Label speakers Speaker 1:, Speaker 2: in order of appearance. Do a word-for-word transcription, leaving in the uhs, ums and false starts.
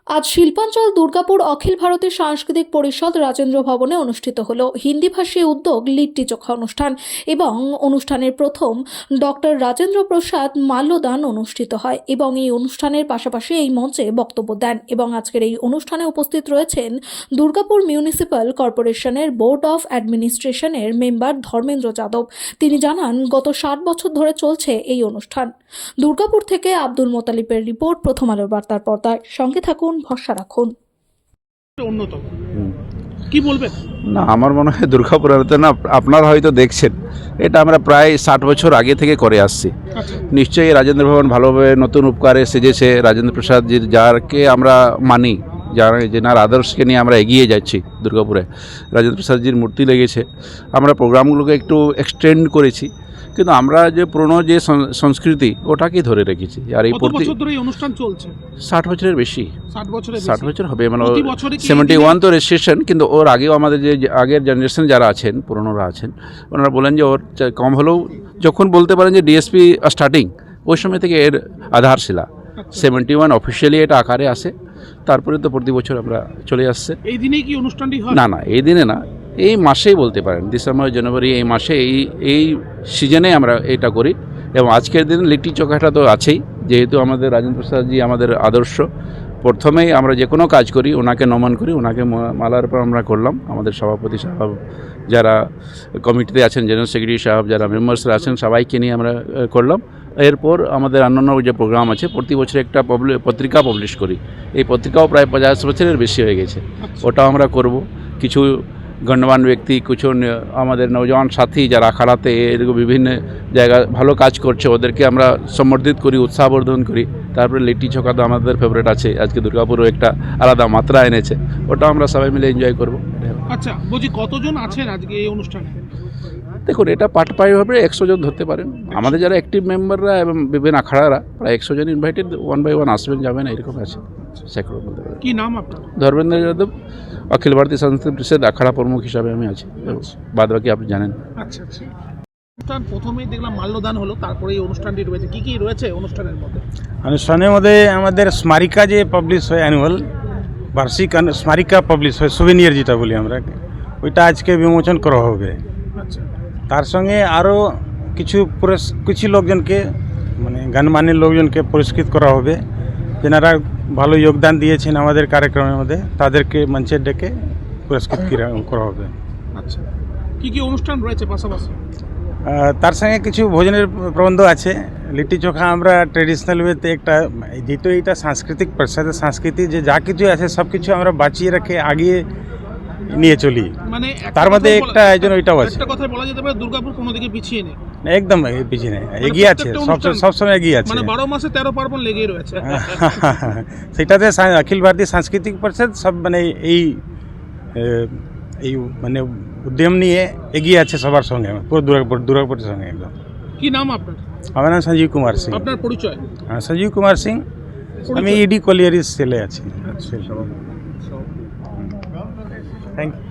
Speaker 1: আজ শিল্পাঞ্চল দুর্গাপুর অখিল ভারতীয় সাংস্কৃতিক পরিষদ রাজেন্দ্র ভবনে অনুষ্ঠিত হলো হিন্দিভাষী উদ্যোগ লিট্টি চোখা অনুষ্ঠান এবং অনুষ্ঠানের প্রথম ডক্টর রাজেন্দ্র প্রসাদ মাল্যদান অনুষ্ঠিত হয় এবং এই অনুষ্ঠানের পাশাপাশি এই মঞ্চে বক্তব্য দেন এবং আজকের এই অনুষ্ঠানে উপস্থিত রয়েছেন দুর্গাপুর মিউনিসিপ্যাল কর্পোরেশনের বোর্ড অফ অ্যাডমিনিস্ট্রেশনের মেম্বার ধর্মেন্দ্র যাদব। তিনি জানান, গত ষাট বছর ধরে চলছে এই অনুষ্ঠান। দুর্গাপুর থেকে আব্দুল মোতালিবের রিপোর্ট, প্রথম আলোর বার্তার পর্দায়। সঙ্গে থাকুন, ভরসা রাখুন।
Speaker 2: অন্যতম কি বলবেন?
Speaker 3: না, আমার মনে হয় দুর্গাপুর না, আপনারা হয়তো দেখছেন, এটা আমরা প্রায় ষাট বছর আগে থেকে করে আসছি। নিশ্চয়ই রাজেন্দ্র ভবন ভালোভাবে নতুন উপকারে সেজেছে। রাজেন্দ্র প্রসাদজির, যারকে আমরা মানি, যার যেনার আদর্শকে নিয়ে আমরা এগিয়ে যাচ্ছি দুর্গাপুরে, রাজেন্দ্র প্রসাদজির মূর্তি লেগেছে। আমরা প্রোগ্রামগুলোকে একটু এক্সটেন্ড করেছি, কিন্তু আমরা যে পুরনো যে সংস্কৃতি ওটাকেই ধরে রেখেছি। আর এই প্রতি
Speaker 2: অনুষ্ঠান চলছে
Speaker 3: ষাট বছরের বেশি,
Speaker 2: ষাট বছরের
Speaker 3: ষাট বছর হবে, মানে
Speaker 2: বছরে
Speaker 3: সেভেন্টি ওয়ান তো রেজিস্ট্রেশন, কিন্তু ওর আগেও আমাদের যে আগের জেনারেশন যারা আছেন, পুরনোরা আছেন, ওনারা বলেন যে ওর কম হলেও যখন বলতে পারেন যে ডিএসপি স্টার্টিং, ওই সময় থেকে এর আধারশিলা সেভেন্টি ওয়ান অফিসিয়ালি এটা আকারে আসে। তারপরে তো প্রতি বছর আমরা চলে আসছে।
Speaker 2: এই দিনেই কি অনুষ্ঠানটি হয়?
Speaker 3: না না, এই দিনে না, এই মাসেই বলতে পারেন, ডিসেম্বর জানুয়ারি এই মাসে, এই এই সিজনে আমরা এটা করি। এবং আজকের দিন লিট্টি চোখাটা তো আছেই, যেহেতু আমাদের রাজেন্দ্র প্রসাদজি আমাদের আদর্শ। প্রথমেই আমরা যে কোনো কাজ করি ওনাকে নমন করি, ওনাকে মালার পর আমরা করলাম। আমাদের সভাপতি সাহেব, যারা কমিটিতে আছেন, জেনারেল সেক্রেটারি সাহেব, যারা মেম্বার্সরা আছেন, সবাইকে নিয়ে আমরা করলাম। এরপর আমাদের অন্যান্য যে প্রোগ্রাম আছে, প্রতি বছর একটা পত্রিকা পাবলিশ করি। এই পত্রিকাও প্রায় পঞ্চাশ বছরের বেশি হয়ে গেছে, ওটাও আমরা করব। কিছু গণ্যমান ব্যক্তি, কিছু আমাদের নৌজওয়ান সাথী যারা আখাড়াতে এরকম বিভিন্ন জায়গায় ভালো কাজ করছে, ওদেরকে আমরা সম্বর্ধিত করি, উৎসাহবর্ধন করি। তারপরে লিট্টি চোখা তো আমাদের ফেভারিট আছে, আজকে দুর্গাপুরও একটা আলাদা মাত্রা এনেছে, ওটাও আমরা সবাই মিলে এনজয় করব।
Speaker 2: আচ্ছা, বলছি কতজন আছেন আজকে এই অনুষ্ঠানে?
Speaker 3: দেখুন, এটা পার্ট পাই হবে একশো জন ধরতে পারেন। আমাদের যারা অ্যাক্টিভ মেম্বাররা এবং বিভিন্ন আখাড়ারা প্রায় একশো জন ইনভাইটেড, ওয়ান বাই ওয়ান আসবেন যাবেন, এরকম আছে। সেক্টর বলতে পারেন।
Speaker 2: কি নাম আপনার?
Speaker 3: ধর্মেন্দ্র যাদব, অখিল ভারতীয় সাংস্কৃতিক পরিষদ আখাড়া প্রমুখ হিসাবে আমি আছি। বাদ বাকি আপনি জানেন।
Speaker 2: আচ্ছা আচ্ছা, অনুষ্ঠান প্রথমেই দেখলাম মাল্যদান হলো, তারপরে এই অনুষ্ঠানটি রয়েছে। কি কি রয়েছে অনুষ্ঠানের মধ্যে?
Speaker 4: অনুষ্ঠানের মধ্যে আমাদের স্মারিকা যে পাবলিশ হয়, অ্যানুয়াল বার্ষিক স্মারিকা পাবলিশ হয়, সুভেনিয়ার যেটা বলি আমরা, ওইটা আজকে বিমোচন করা হবে।
Speaker 2: আচ্ছা,
Speaker 4: তার সঙ্গে আরও কিছু কিছু লোকজনকে, মানে গানমানের লোকজনকে পুরস্কৃত করা হবে, যেনারা ভালো যোগদান দিয়েছেন আমাদের কার্যক্রমের মধ্যে, তাদেরকে মঞ্চে ডেকে পুরস্কৃত করা হবে।
Speaker 2: আচ্ছা, কি কি অনুষ্ঠান রয়েছে পাশাপাশি?
Speaker 4: তার সঙ্গে কিছু ভোজনের প্রবন্ধ আছে। লিট্টি চোখা আমরা ট্রেডিশনাল ওয়েতে একটা, যেহেতু এইটা সাংস্কৃতিক প্রসাদের সংস্কৃতি, যে যা কিছু আছে সব কিছু আমরা বাঁচিয়ে রেখে আগিয়ে নিয়ে চলি, মানে তার মধ্যে একটা আয়োজন ওইটাও আছে।
Speaker 2: একটা কথা বলা যেতে পারে, দুর্গাপুর কোনো দিকে পিছিয়ে নেই,
Speaker 4: একদম পিছিয়ে নেই, এগিয়ে আছে, সব সবসময় এগিয়ে আছে।
Speaker 2: মানে বারো মাসে তেরো পার্বণ লেগেই রয়েছে।
Speaker 4: সেটাতে অখিল ভারতীয় সাংস্কৃতিক পরিষদ সব মানে এই এই মানে উদ্যম নিয়ে এগিয়ে আছে সবার সঙ্গে, পুরো দুর্গাপুর দুর্গাপুরের সঙ্গে একদম।
Speaker 2: কি নাম আপনার?
Speaker 4: আমার নাম সঞ্জীব কুমার সিং।
Speaker 2: আপনার পরিচয়?
Speaker 4: হ্যাঁ, সঞ্জীব কুমার সিং, আমি ইডি কলিয়ারি সেলে আছি। Thank you.